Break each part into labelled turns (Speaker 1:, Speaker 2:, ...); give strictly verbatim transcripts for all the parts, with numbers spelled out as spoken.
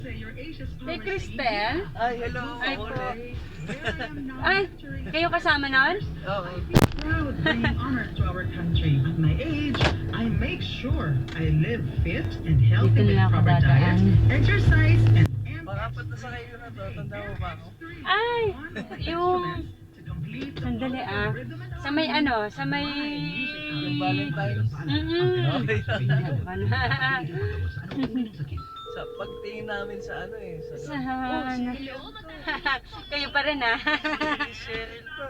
Speaker 1: Kay Cristel?
Speaker 2: Ay, hello.
Speaker 1: Ay po.
Speaker 2: Ulit.
Speaker 1: Ay, kayo kasama nun?
Speaker 2: Oo.
Speaker 3: Proud bringing honor to our country. At my age, I make sure I live fit and healthy
Speaker 1: Dito
Speaker 3: with
Speaker 1: na ako
Speaker 3: proper diet,
Speaker 1: dadaan.
Speaker 3: exercise, and
Speaker 2: Pangapat na sa kayo na to. Tanda mo ba ako?
Speaker 1: Ay, yung... Sandali ah. Sa may ano, sa may...
Speaker 2: Yung Valentine's.
Speaker 1: Mm-mm.
Speaker 2: Okay.
Speaker 3: Mm-hmm.
Speaker 2: Sa pagtingin namin sa ano eh. Sa
Speaker 1: Sa... Kayo pa rin ah.
Speaker 2: Si Cheryl to.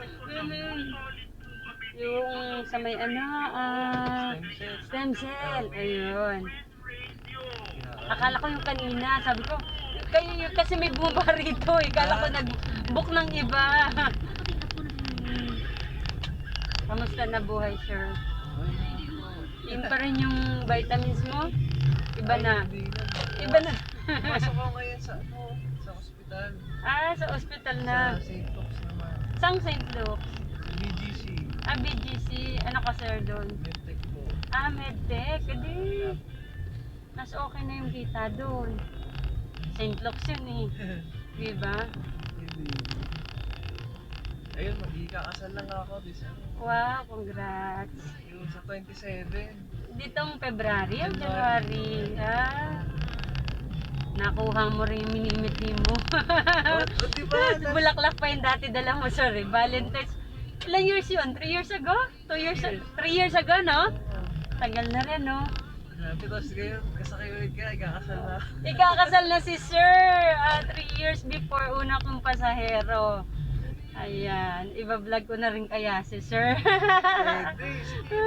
Speaker 1: Yung sa may ano, ah...
Speaker 2: Stem cell.
Speaker 1: stem cell. Ayun. Akala ko yung kanina, sabi ko, kayo yun kasi may bumaba rito eh. Akala ko nag-book ng iba. Hmm. Kamusta na buhay, sir? Yun pa rin yung vitamins mo? Iba na.
Speaker 2: Ay, hindi na.
Speaker 1: Iba na.
Speaker 2: Pasok ako ngayon sa ano, sa ospital.
Speaker 1: Ah, sa ospital
Speaker 2: Sa
Speaker 1: na.
Speaker 2: Saint Luke's naman.
Speaker 1: Sang Saint Luke's?
Speaker 2: B G C.
Speaker 1: Ah, B G C. Ano ka, sir, doon?
Speaker 2: Medtech po.
Speaker 1: Ah, medtech. Hindi. Mas okay na yung kita doon. Saint Luke's yun eh. Diba?
Speaker 2: Hindi. Ayun, magkikakasal lang ako this ano.
Speaker 1: Wow, congrats.
Speaker 2: Yung sa twenty-seven.
Speaker 1: Ditong February o January? Ah. Nakuha mo rin yung minimiti mo.
Speaker 2: Oh, oh, di ba?
Speaker 1: Bulaklak pa yung dati dala mo, sorry. Valentine's. Ilang years yun? Three years ago? Two years ago? Three years ago, no? Tagal na rin, no?
Speaker 2: Grabe, tapos ngayon, kasakay ulit ka, ikakasal na.
Speaker 1: Ikakasal na si Sir. Ah, three years before una kong pasahero. Ayan. Iba-vlog ko na rin kaya si Sir.
Speaker 2: Pwede, sige.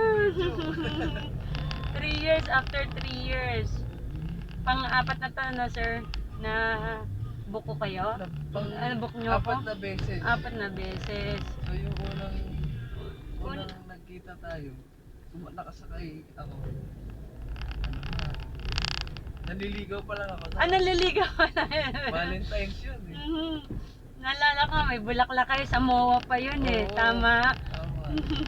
Speaker 1: Three years after three years. Pang-apat na to, no, Sir? Na buko kayo?
Speaker 2: Pang,
Speaker 1: Ano, book nyo
Speaker 2: apat
Speaker 1: ako?
Speaker 2: na beses.
Speaker 1: Apat na beses.
Speaker 2: So yung unang, unang nagkita tayo, suma- nakasakay ako. Ano na, naliligaw pa lang ako.
Speaker 1: Ah, naliligaw ka na yun.
Speaker 2: Valentine's yun eh.
Speaker 1: Mhm. Naalala ko, may bulaklak kayo sa M O A pa yun eh.
Speaker 2: Oo.
Speaker 1: Tama.
Speaker 2: Tama.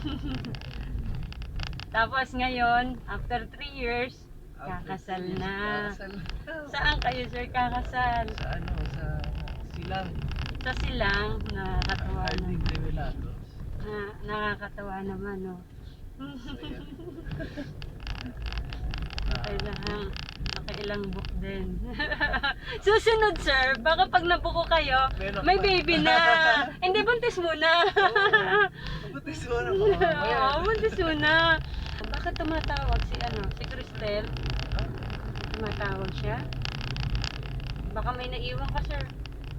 Speaker 1: Tapos ngayon, after three years, kakasal
Speaker 2: After
Speaker 1: na.
Speaker 2: Kakasal na.
Speaker 1: Saan kayo, Sir, kakasal?
Speaker 2: Sa ano, sa Silang.
Speaker 1: Sa Silang, nakakatawa
Speaker 2: Harding
Speaker 1: naman.
Speaker 2: Revelados.
Speaker 1: Na, nakakatawa naman, no?
Speaker 2: So yan.
Speaker 1: Okay lang. Nakailang book din. Susunod, sir, baka pag nabuko kayo,
Speaker 2: Meron
Speaker 1: may
Speaker 2: pa.
Speaker 1: baby na. Hindi, buntis muna.
Speaker 2: Mabutis mo na mga
Speaker 1: Oo, buntis muna. Bakit tumatawag si ano, si Cristel? Tumatawag siya? Baka may naiwan ka, sir.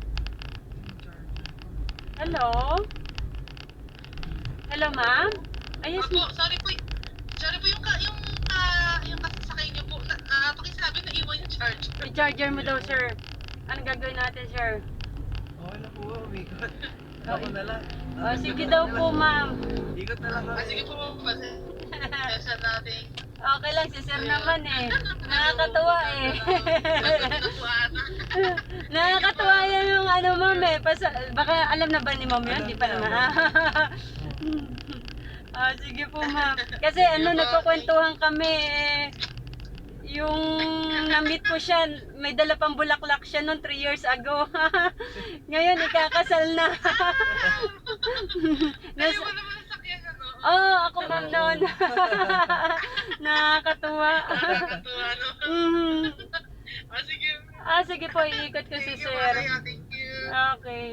Speaker 1: Hello? Hello, ma'am? Ayos
Speaker 4: Opo, sorry po. y- Sorry po yung ka, yung ah, yung kasasakay niyo po. Na, ah, pakisabi na iwan yung charger.
Speaker 1: i-charger mo daw, sir. Ano gagawin natin, sir?
Speaker 2: Okay na po, umikot. Ako na lang.
Speaker 1: Oh, sige daw po, ma'am.
Speaker 2: Ikot na lang ako.
Speaker 4: Ah, sige po, pasensya natin.
Speaker 1: Okay lang, si sir naman eh. Nakakatuwa eh.
Speaker 4: Maganda po ata.
Speaker 1: Nakakatuwa yan yung ano, ma'am eh. Pasa, baka alam na ba ni ma'am yun?
Speaker 2: Alam
Speaker 1: Di pa
Speaker 2: na,
Speaker 1: naman.
Speaker 2: alam.
Speaker 1: Ah, sige po, ma'am. Kasi ano, nagkukwentuhan kami eh. Yung na-meet ko siya, may dala pang bulaklak siya noon three years ago. Ngayon, ikakasal na. Nas-
Speaker 4: Ayaw mo naman sa sakyan, ano?
Speaker 1: oh, ako ma'am noon. Nakakatuwa.
Speaker 4: Nakakatuwa, no?
Speaker 1: Mhm.
Speaker 4: Ah, sige.
Speaker 1: Ah, sige po, iikot ko si
Speaker 4: Thank you,
Speaker 1: sir.
Speaker 4: Maria. Thank you.
Speaker 1: Okay.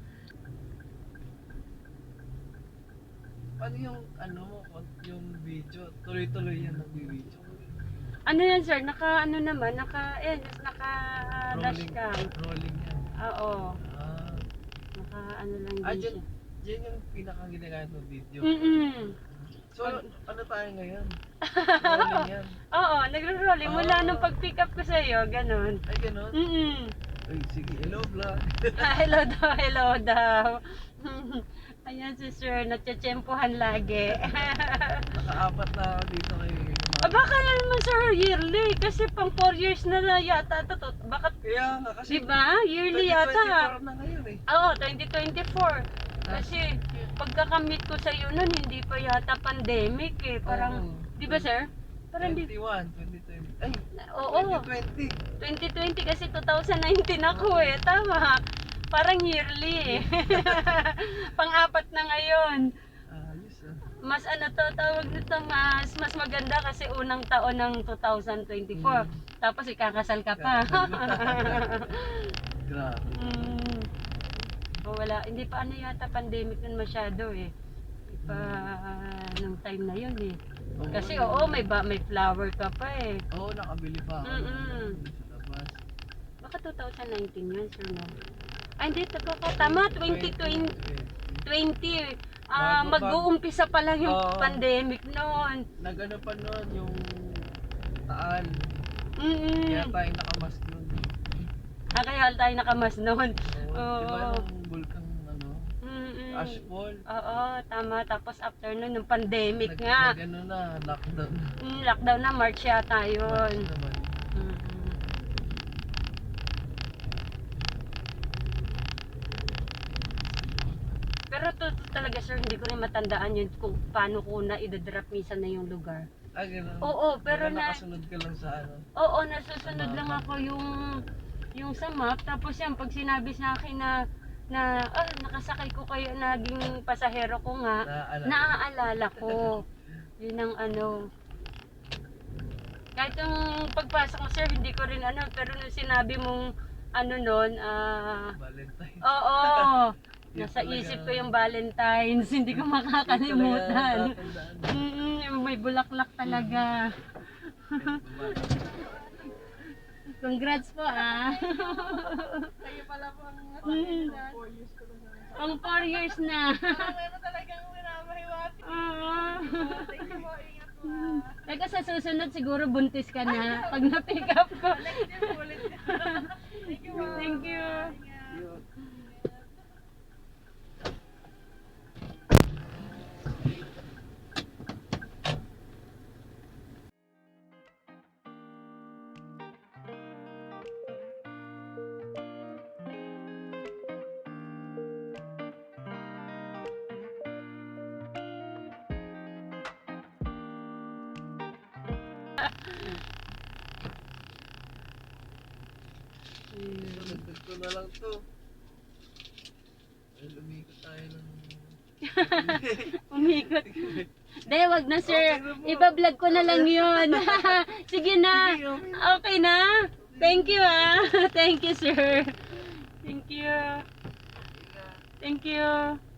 Speaker 2: Paano yung ano mo, yung video? Tuloy-tuloy yan nag-video.
Speaker 1: Ano yan, sir? Naka, ano naman, naka, eh, naka dashcam.
Speaker 2: Rolling yan.
Speaker 1: Oo.
Speaker 2: Ah,
Speaker 1: Naka, ano lang
Speaker 2: ah
Speaker 1: din
Speaker 2: dyan,
Speaker 1: siya.
Speaker 2: dyan yung pinakang ginagamit ng video.
Speaker 1: Mm-mm.
Speaker 2: So, ano tayo ngayon? Rolling yan.
Speaker 1: Oo, nagro-rolling. Mula
Speaker 2: Ah.
Speaker 1: nung pag-pick up ko sa'yo, ganun.
Speaker 2: Ay, ganun?
Speaker 1: Mm-mm.
Speaker 2: Ay, sige, hello vlog.
Speaker 1: Ah, hello daw, hello daw. Ayan si sir, natsyatsyempohan lagi.
Speaker 2: Nakaapat na ako dito kay
Speaker 1: Ah, baka na naman sir, yearly. Kasi pang four years na na yata. ito to. Bakit,
Speaker 2: Kaya nga kasi
Speaker 1: diba? Yearly
Speaker 2: twenty twenty-four
Speaker 1: yata.
Speaker 2: na ngayon eh.
Speaker 1: Oo, twenty twenty-four. Kasi pagkakamit ko sa iyo nun, hindi pa yata pandemic eh. Parang,
Speaker 2: Oo.
Speaker 1: di ba sir? Parang di,
Speaker 2: twenty-one, twenty twenty. Ay,
Speaker 1: oo.
Speaker 2: twenty twenty.
Speaker 1: twenty twenty kasi twenty nineteen ako eh. Tama. Parang yearly eh. Pang-apat na ngayon.
Speaker 2: Ayos ah.
Speaker 1: Mas ano to, tawag nito, mas mas maganda kasi unang taon ng twenty twenty-four.
Speaker 2: Mm.
Speaker 1: Tapos ikakasal ka pa.
Speaker 2: Grabe.
Speaker 1: mm. O wala, hindi pa ano yata pandemic nun masyado eh. Hindi pa nung time na yun eh.
Speaker 2: Oo,
Speaker 1: Kasi
Speaker 2: yun.
Speaker 1: oo, may ba, may flower ka pa eh.
Speaker 2: Oo, nakabili pa ako.
Speaker 1: Mm-mm.
Speaker 2: Sa labas.
Speaker 1: Baka twenty nineteen yun, sir, no? Ay, hindi, tama, tama, twenty twenty. Ah,
Speaker 2: Bago-
Speaker 1: mag-uumpisa pa lang yung
Speaker 2: Oo.
Speaker 1: pandemic noon.
Speaker 2: Nagano pa noon yung Taal.
Speaker 1: Mm.
Speaker 2: Kaya tayo nakamask nun.
Speaker 1: Ah, kaya tayo nakamas noon.
Speaker 2: Oo.
Speaker 1: Oo.
Speaker 2: Diba yung bulkang ano,
Speaker 1: Mm-mm.
Speaker 2: Ashfall?
Speaker 1: Oo, tama. Tapos after nun, yung pandemic
Speaker 2: Nag,
Speaker 1: nga.
Speaker 2: nag-ano na, lockdown.
Speaker 1: Mm, lockdown na, March yata yun.
Speaker 2: March naman.
Speaker 1: Mm-mm. Pero to, talaga sir, hindi ko rin matandaan yun kung paano ko na idadrop minsan na yung lugar.
Speaker 2: Ah, ganun.
Speaker 1: Oo, pero
Speaker 2: Baka
Speaker 1: na,
Speaker 2: nakasunod ka lang sa ano.
Speaker 1: oo, nasusunod
Speaker 2: Sa
Speaker 1: lang
Speaker 2: map.
Speaker 1: ako yung yung sa map. Tapos yan, pag sinabi sa akin na na ah, nakasakay ko kayo, naging pasahero ko nga,
Speaker 2: Naaalala.
Speaker 1: naaalala ko. Yun ang ano. Kahit yung pagpasok mo sir, hindi ko rin ano, pero nung sinabi mong ano nun, ah,
Speaker 2: Valentine.
Speaker 1: oo,
Speaker 2: Yun
Speaker 1: nasa
Speaker 2: talaga.
Speaker 1: isip ko yung Valentine's, hindi ko
Speaker 2: Yun talaga
Speaker 1: makakalimutan.
Speaker 2: tatandaan.
Speaker 1: Mm, yung may bulaklak talaga. Congrats po ah.
Speaker 4: Kayo pala po ang
Speaker 1: Mm.
Speaker 4: four years ko na.
Speaker 1: Pang four years na.
Speaker 4: Meron talagang minamahiwati.
Speaker 1: Oo.
Speaker 4: Thank you po, ingat po. ah.
Speaker 1: Teka sa susunod siguro buntis ka na pag na-pick up ko.
Speaker 4: Next year po ulit. Thank you po.
Speaker 1: Thank you.
Speaker 2: Yun. Dagdag ko na lang to. Ay, lumikot tayo ng...
Speaker 1: Umikot. De, wag na sir.
Speaker 2: Okay na po.
Speaker 1: Iba-vlog ko na lang yun. Sige na.
Speaker 2: Sige, okay.
Speaker 1: Okay na. Thank you ah. Thank you sir. Thank you. Thank you.